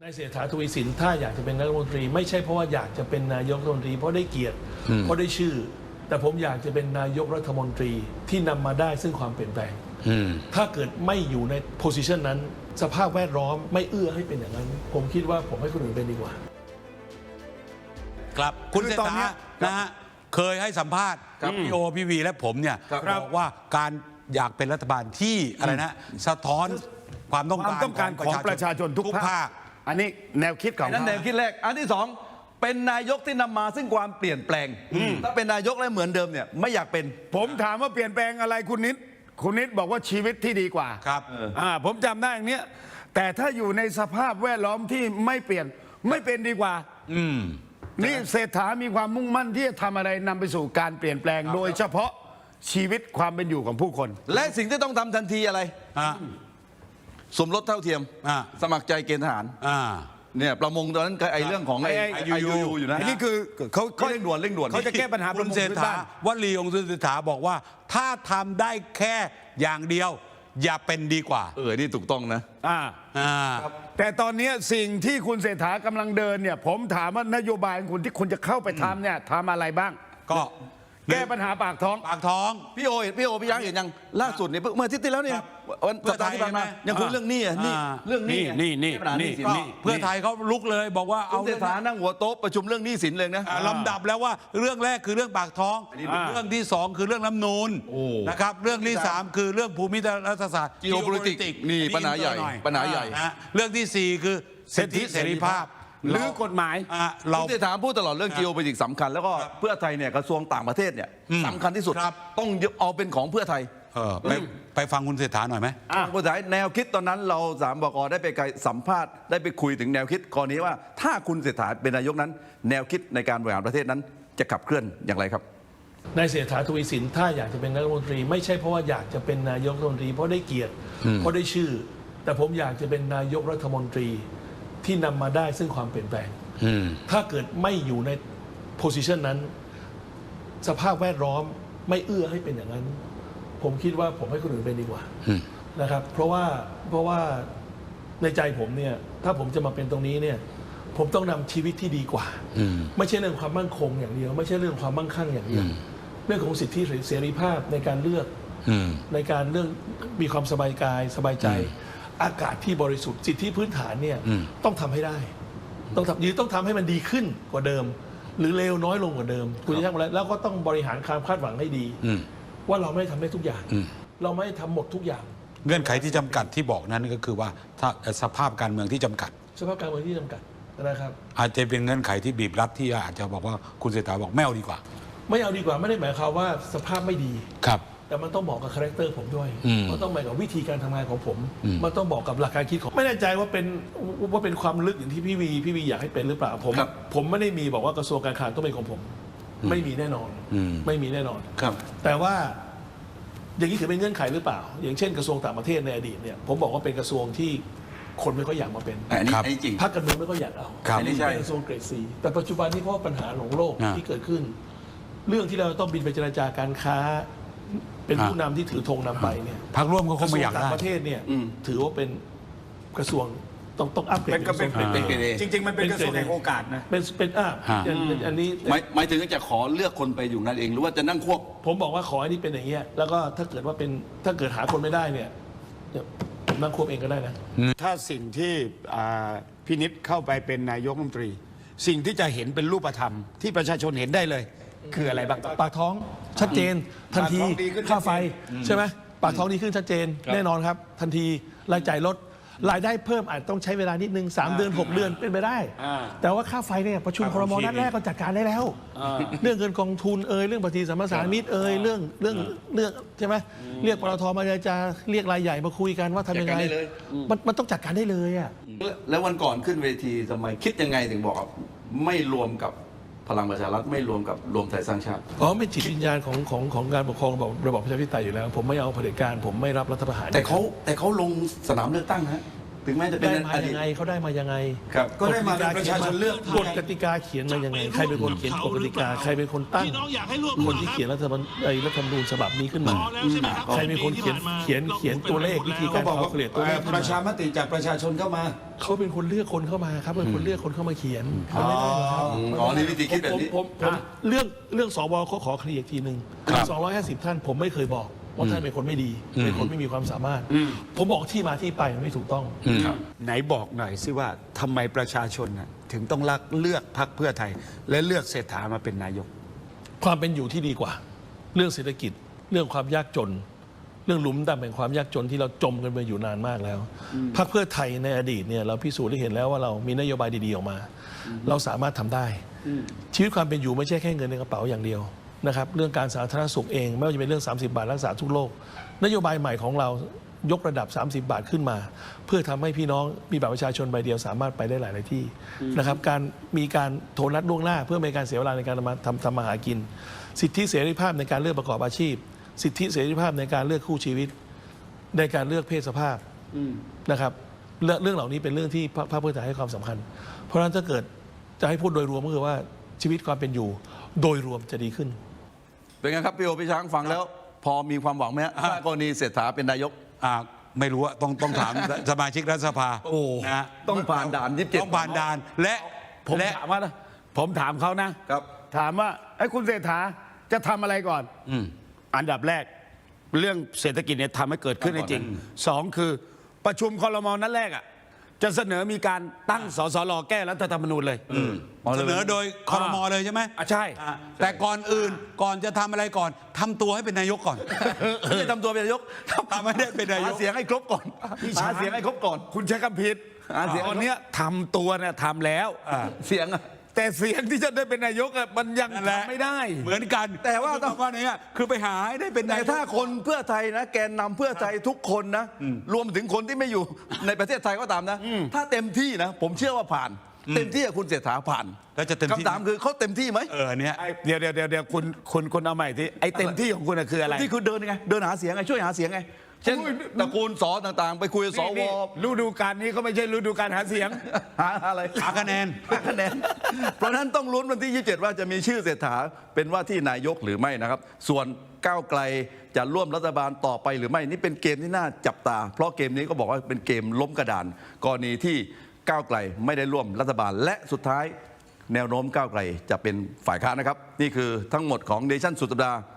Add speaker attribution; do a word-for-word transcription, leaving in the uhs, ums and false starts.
Speaker 1: นายเศรษฐา ทวีสินถ้าอยากจะเป็นนายกรัฐมนตรีไม่ใช่เพราะว่าอยากจะเป็นนายกรัฐมนตรีเพราะได้เกียรติเพราะได้ชื่อแต่ผมอยากจะเป็นนายกรัฐมนตรีที่นำมาได้ซึ่งความเปลี่ยนแปลงถ้าเกิดไม่อยู่ในโพสิชันนั้นสภาพแวดล้อมไม่เอื้อให้เป็นอย่างนั้นผมคิดว่าผมให้คนอื่นเป็นดีกว่า
Speaker 2: ครับคุณเศรษฐานะฮะเคยให้สัมภาษณ์กับพี่โอพี่วีและผมเนี่ยบอกว่าการอยากเป็นรัฐบาลที่อะไรนะสะท้อนความต้องการ
Speaker 3: ต้องการของประชาชนทุกภาคอันนี้แนวคิดของ
Speaker 4: นั่นแนวคิดแรกอันที่สองเป็นนายกที่นำมาซึ่งความเปลี่ยนแปลงถ้าเป็นนายกแล้วเหมือนเดิมเนี่ยไม่อยากเป็น
Speaker 3: ผมถามว่าเปลี่ยนแปลงอะไรคุณนิดคุณนิดบอกว่าชีวิตที่ดีกว่า
Speaker 2: ครับ
Speaker 3: อ่าผมจำได้อย่างเนี้ยแต่ถ้าอยู่ในสภาพแวดล้อมที่ไม่เปลี่ยนไม่เป็นดีกว่าอืมนี่เศรษฐามีความมุ่งมั่นที่จะทำอะไรนำไปสู่การเปลี่ยนแปลงโดยเฉพาะชีวิตความเป็นอยู่ของผู้คน
Speaker 4: และสิ่งที่ต้องทำทันทีอะไรสมรสเท่าเทียมสมัครใจเกณฑ์ทหารเนี่ยประมงตอนนั้นไอ้เรื่องของไอ้ไอยูยูอยู่นะ
Speaker 3: นี่คือเขา
Speaker 4: เขาเร่งด่วนเร่งด่วน
Speaker 3: เขาจะแก้ปัญหา
Speaker 2: คุณเศรษฐาวลีองค์เศรษฐาบอกว่าถ้าทำได้แค่อย่างเดียวอย่าเป็นดีกว่า
Speaker 4: เออนี่ถูกต้องนะ
Speaker 3: อ่าอ่าแต่ตอนนี้สิ่งที่คุณเศรษฐากำลังเดินเนี่ยผมถามว่านโยบายของคุณที่คุณจะเข้าไปทำเนี่ยทำอะไรบ้าง
Speaker 2: ก็
Speaker 3: แก้ปัญหาปากท้อง
Speaker 2: ปากท้อง
Speaker 4: พี่โอพี่โอพี่ยังเห็นยังล่าสุดเนี่ยเมื่ออาทิตย์ที่แล้วเนี่ยวันสัปดาห์ที่ผ่านมายังคุยเรื่องนี้อ่ะนี่เรื่องนี้
Speaker 3: นี่นี่นี่
Speaker 2: เพื่อไทยเขาลุกเลยบอกว่า
Speaker 4: เอาเศรษฐานั่งหัวโต๊ะประชุมเรื่องหนี้สินเลยนะ
Speaker 2: ลำดับแล้วว่าเรื่องแรกคือเรื่องปากท้องเรื่องที่สองคือเรื่องรัฐธรรมนูญนะครับเรื่องที่สามคือเรื่องภูมิรัฐศาสตร์
Speaker 4: geopolitics นี่ปัญหาใหญ่ปัญหาใหญ่
Speaker 2: เรื่องที่สี่คือสิทธิเสรีภาพ
Speaker 3: หรือกฎหมาย
Speaker 4: เราจะถามพูดตลอดเรื่อง geopolitics สำคัญแล้วก็เพื่อไทยเนี่ยกระทรวงต่างประเทศเนี่ยสำคัญที่สุดต้องเอาเป็นของเพื่อไทย
Speaker 2: ไปไปฟังคุณเศรษฐาหน่อยไหม
Speaker 4: คุณเศรษฐาแนวคิดตอนนั้นเราสามบก.ได้ไปสัมภาษณ์ได้ไปคุยถึงแนวคิดกรณีว่าถ้าคุณเศรษฐาเป็นนายกนั้นแนวคิดในการบริหารประเทศนั้นจะขับเคลื่อนอย่างไรครับ
Speaker 1: นายเศรษฐา ทวีสินถ้าอยากจะเป็นนายกรัฐมนตรีไม่ใช่เพราะว่าอยากจะเป็นนายกรัฐมนตรีเพราะได้เกียรติเพราะได้ชื่อแต่ผมอยากจะเป็นนายกรัฐมนตรีที่นำมาได้ซึ่งความเปลี่ยนแปลงถ้าเกิดไม่อยู่ในโพสิชันนั้นสภาพแวดล้อมไม่เอื้อให้เป็นอย่างนั้นผมคิดว่าผมให้คนอื่นเป็นดีกว่านะครับเพราะว่าเพราะว่าในใจผมเนี่ยถ้าผมจะมาเป็นตรงนี้เนี่ยผมต้องนำชีวิตที่ดีกว่าไม่ใช่เรื่องความมั่นคงอย่างเดียวไม่ใช่เรื่องความมั่งคั่งอย่างเดียวเรื่องของสิทธิเสรีภาพในการเลือกในการเรื่องมีความสบายกายสบายใจอากาศที่บริสุทธิ์สิทธิพื้นฐานเนี่ยต้องทำให้ได้ต้องทำยืนต้องทำให้มันดีขึ้นกว่าเดิมหรือเลวน้อยลงกว่าเดิมคุณจะทำอะไรแล้วก็ต้องบริหารความคาดหวังให้ดีว่าเราไม่ทำได้ทุกอย่างเราไม่ทำหมดทุกอย่าง
Speaker 2: เงื่อนไขที่จำกัดที่บอกนั้นก็คือว่าถ้าสภาพการเมืองที่จำกัด
Speaker 1: สภาพการเมืองที่จำกัดนะครับ
Speaker 2: อาจจะเป็นเงื่อนไขที่บีบรัดที่อาจจะบอกว่าคุณเศรษฐาบอกไม่เอาดีกว่า
Speaker 1: ไม่เอาดีกว่าไม่ได้หมายความว่าสภาพไม่ดี
Speaker 2: ครับ
Speaker 1: แต่มันต้องเหมาะกับคาแรคเตอร์ผมด้วยมันต้องเหมาะกับวิธีการทำงานของผมมันต้องบอกกับหลักการคิดของไม่แน่ใจว่าเป็นว่าเป็นความลึกอย่างที่พี่วีพี่วีอยากให้เป็นหรือเปล่าผมผมไม่ได้มีบอกว่ากระทรวงการคลังต้องเป็นของผมไม่มีแน่นอนไม่มีแน่นอน
Speaker 4: ครับ
Speaker 1: แต่ว่าอย่างนี้ถือเป็นเงื่อนไขหรือเปล่าอย่างเช่นกระทรวงต่างประเทศในอดีตเนี่ยผมบอกว่าเป็นกระทรวงที่คนไม่ค่อยอยากมาเป็น
Speaker 4: อันนี้จริง
Speaker 1: พรรคการเมืองไม่ค่อยอยากเอา
Speaker 4: อันนี้ใช่
Speaker 1: กระทรวงเกรดซีแต่ปัจจุบันนี้เพราะปัญหาของโลกที่เกิดขึ้นเรื่องที่เราต้องบินไปเจรจาการค้าเป็นผู้นำที่ถือธงนำไปเนี่ย
Speaker 2: พรรคร่วมก็คงไม่อยากได้
Speaker 1: ต่างประเทศเนี่ยถือว่าเป็นกระทรวงต้องต้องอัปเกรด
Speaker 3: จริงๆมันเป็นกระทรวงแห่งโอกาสนะ
Speaker 1: เป็นเป็นอ่าอันนี้
Speaker 4: หมายถึงจะขอเลือกคนไปอยู่นั่นเองหรือว่าจะนั่งควบ
Speaker 1: ผมบอกว่าขอให้นี่เป็นอย่างเงี้ยแล้วก็ถ้าเกิดว่าเป็นถ้าเกิดหาคนไม่ได้เนี่ยผมนั่งควบเองก็ได้นะ
Speaker 3: ถ้าสิ่งที่พินิจเข้าไปเป็นนายกรัฐมนตรีสิ่งที่จะเห็นเป็นรูปธรรมที่ประชาชนเห็นได้เลยคืออะไรบ้าง
Speaker 1: ปากท้องชัดเจนทันทีค่าไฟใช่ไหมปากท้องดีขึ้นชัดเจนแน่นอนครับทันทีรายจ่ายลดรายได้เพิ่มอาจต้องใช้เวลานิดนึงสามเดือนหกเดือนเป็นไปได้แต่ว่าค่าไฟเนี่ยประชุมครม.นัดแรกก็จัดการได้แล้วเรื่องเงินกองทุนเอ่ยเรื่องปฏิสัมภาษามิตรเอ่ยเรื่องเรื่องเรื่องใช่ไหมเรียกปตท.มาจะเรียกรายใหญ่มาคุยกันว่าทำยังไงมันมันต้องจัดการได้เลยอ่ะ
Speaker 4: แล้ววันก่อนขึ้นเวทีทำไมคิดยังไงถึงบอกไม่รวมกับพลังประชารัฐไม่รวมกับรวมไทยสร้างชาติ
Speaker 1: อ๋อเป็นจิตวิญญาณของของของการปกครองระบอบระบอบประชาธิปไตยอยู่แล้วผมไม่เอาเผด็จการผมไม่รับรัฐประหาร
Speaker 4: แต่เขาแต่เขาลงสนามเลือกตั้งฮะถึงแม้จะเป็น
Speaker 1: ได้มา
Speaker 4: อดี
Speaker 1: ยั
Speaker 4: ต
Speaker 1: งไงเขาได้มายังไง
Speaker 4: ครับ
Speaker 3: ก็ได้มาเป็นประชาชนเลือก
Speaker 1: กฎกติกาเขียนมายังไงใครเป็นคนเขียนกฎกติกาใครเป็นคนตั้ง
Speaker 5: พี่น้องอยากให้ร่วม
Speaker 1: คนที่เขียนรัฐธรรมนูญไอ้รัฐธรรมนูญฉบับนี้ขึ้นมา
Speaker 5: พอแล้วใช่ไหมครับ
Speaker 1: ใครเป็นคนเขียน
Speaker 5: ปีที่ผ่านมา
Speaker 1: เขียนเขียนตัวเลขวิธี
Speaker 3: ก็
Speaker 1: การ
Speaker 3: บอก
Speaker 1: เขา
Speaker 3: ว่า
Speaker 1: เกลี่ยตัวเลขขึ้น
Speaker 3: ประชา
Speaker 1: มา
Speaker 3: มติจากประชาชนเข้ามา
Speaker 1: เขาเป็นคนเลือกคนเข้ามาครับเป็นคนเลือกคนเข้ามาเขียนเขาไม่ได้หรอกครับ
Speaker 4: อ๋อนี่วิธีคิดแบบนี้
Speaker 1: ผมผมผมเรื่องเรื่องสวเขาขอเคลียร์อีกทีหนึ่งสองร้อยห้าสิบท่านผมไม่เคยบอกว่าท่านเป็นคนไม่ดีเป็นคนไม่มีความสามารถ ผมบอกที่มาที่ไปมันไม่ถูกต้อง
Speaker 3: ไหนบอกหน่อยสิว่าทำไมประชาชนน่ะถึงต้องรักเลือกพรรคเพื่อไทย และเลือกเศรษฐามาเป็นนายก
Speaker 1: ความเป็นอยู่ที่ดีกว่า เรื่องเศรษฐกิจ เรื่องความยากจน เรื่องหลุมดำแห่งความยากจนที่เราจมกันมาอยู่นานมากแล้วพรรคเพื่อไทยในอดีตเนี่ยเราพิสูจน์ได้เห็นแล้วว่าเรามีนโยบายดีๆออกมา เราสามารถทำได้ ชีวิตความเป็นอยู่ไม่ใช่แค่เงินในกระเป๋าอย่างเดียวนะครับเรื่องการสาธารณสุขเองไม่ว่าจะเป็นเรื่อง สามสิบบาทรักษาทุกโรคนโยบายใหม่ของเรายกระดับ สามสิบบาทขึ้นมา เพื่อทำให้พี่น้องมีบัตรประชาชนใบเดียวสามารถไปได้หลายๆที่นะครับการมีการโทรนัดล่วงหน้า เพื่อไม่ให้การเสียเวลาในการทำทำทำมาหากิน สิทธิเสรีภาพในการเลือกประกอบอาชีพ สิทธิเสรีภาพในการเลือกคู่ชีวิต ในการเลือกเพศสภาพนะครับเรื่องเรื่องเหล่านี้เป็นเรื่องที่พรรคเพื่อไทยให้ความสำคัญ เพราะฉะนั้นถ้าเกิดจะให้พูดโดยรวมก็คือว่าชีวิตความเป็นอยู่โดยรวมจะดีขึ้น
Speaker 4: เป็นไงครับพี่โอพี่ช้างฟังแล้ว พอมีความหวังไหมฮะถ้ากรณีเศรษฐาเป็นนายก
Speaker 2: อ่าไม่รู้อะต้องต้องถาม สมาชิกรัฐสภา
Speaker 4: โอ้
Speaker 2: นะฮะ
Speaker 4: ต้องผ่านด่านยี่สิบเจ็ด
Speaker 2: ต้องผ่านด่านและ
Speaker 3: ผม
Speaker 2: และ
Speaker 3: ถามว่านะผมถามเขานะ
Speaker 4: ครับ
Speaker 3: ถามว่าไอ้คุณเศรษฐาจะทำอะไรก่อน
Speaker 2: อืม
Speaker 3: อันดับแรก เรื่องเศรษฐกิจเนี่ยทำให้เกิดขึ้นได้จริงสองคือประชุมคอรมอนั้นแรกอ่ะจะเสนอมีการตั้งสสรแก้รัฐธรรมนูญเลย
Speaker 2: เสนอโดยคอรมอเลยใช่ไหม
Speaker 3: อ่ะใช่
Speaker 2: อ่ะแต่ก่อนอื่นก่อนจะทำอะไรก่อนทำตัวให้เป็นนายกก่อน
Speaker 4: ไม่ใช่ทำตัวเป็นนายก
Speaker 2: ทำให้ได้เป็นนายก
Speaker 4: หาเสียงให้ครบก่อนหาเสียงให้ครบก่อน
Speaker 3: คุณใช้คำผิด
Speaker 4: อ่าเสียง
Speaker 3: ตอนเนี้ยทำตัวเนี่ยทำแล้ว
Speaker 4: เสียงอะ
Speaker 3: แต่เสียงที่จะได้เป็นนายกอะมันยัง
Speaker 2: นั่นแหละ
Speaker 3: ทำไม่ได้
Speaker 2: เหมือนกัน
Speaker 4: แต่ว่าต้อง
Speaker 2: ว่าเนี้ยคือไปหาให้ได้เป็น
Speaker 4: แต่
Speaker 2: นายก
Speaker 4: ถ้าคนเพื่อไทยนะแกนนำเพื่อไทยทุกคนนะ รวมถึงคนที่ไม่อยู่ในประเทศไทยก็ตามนะ ถ้าเต็มที่นะ ผมเชื่อว่าผ่าน เต็มที่กับคุณเศรษฐาผ่าน
Speaker 2: แล้วจะเต็มที่
Speaker 4: คำถามคือเขาเต็มที่ไหม
Speaker 2: เออเนี้ย
Speaker 3: ไอ้เดี๋ยวเดี๋ยวเดี๋ยวเดี๋ยวคุณคุณคุณเอาใหม่ที่ไอ้เต็มที่ของคุณอะคืออะไร
Speaker 4: ที่คือเดินไงเดินหาเสียงไงช่วยหาเสียงไงเช่น
Speaker 3: โอ้ย
Speaker 4: ตระกูลสอต่างๆ ไปคุยกับสว
Speaker 3: นี่ฤดูกาลนี้ก็ไม่ใช่ฤดูการหาเสียง
Speaker 4: หาอะไร
Speaker 2: หาคะแนน
Speaker 4: หาคะแนน เพราะฉะนั้นต้องลุ้นวันที่ยี่สิบเจ็ดว่าจะมีชื่อเศรษฐาเป็นว่าที่นายกหรือไม่นะครับ ส่วนก้าวไกลจะร่วมรัฐบาลต่อไปหรือไม่นี่เป็นเกมที่น่าจับตา เพราะเกมนี้ก็บอกว่าเป็นเกมล้มกระดานกรณีที่ก้าวไกลไม่ได้ร่วมรัฐบาลและสุดท้ายแนวโน้มก้าวไกลจะเป็นฝ่ายค้านนะครับนี่คือทั้งหมดของเนชั่นสุดสัปดาห์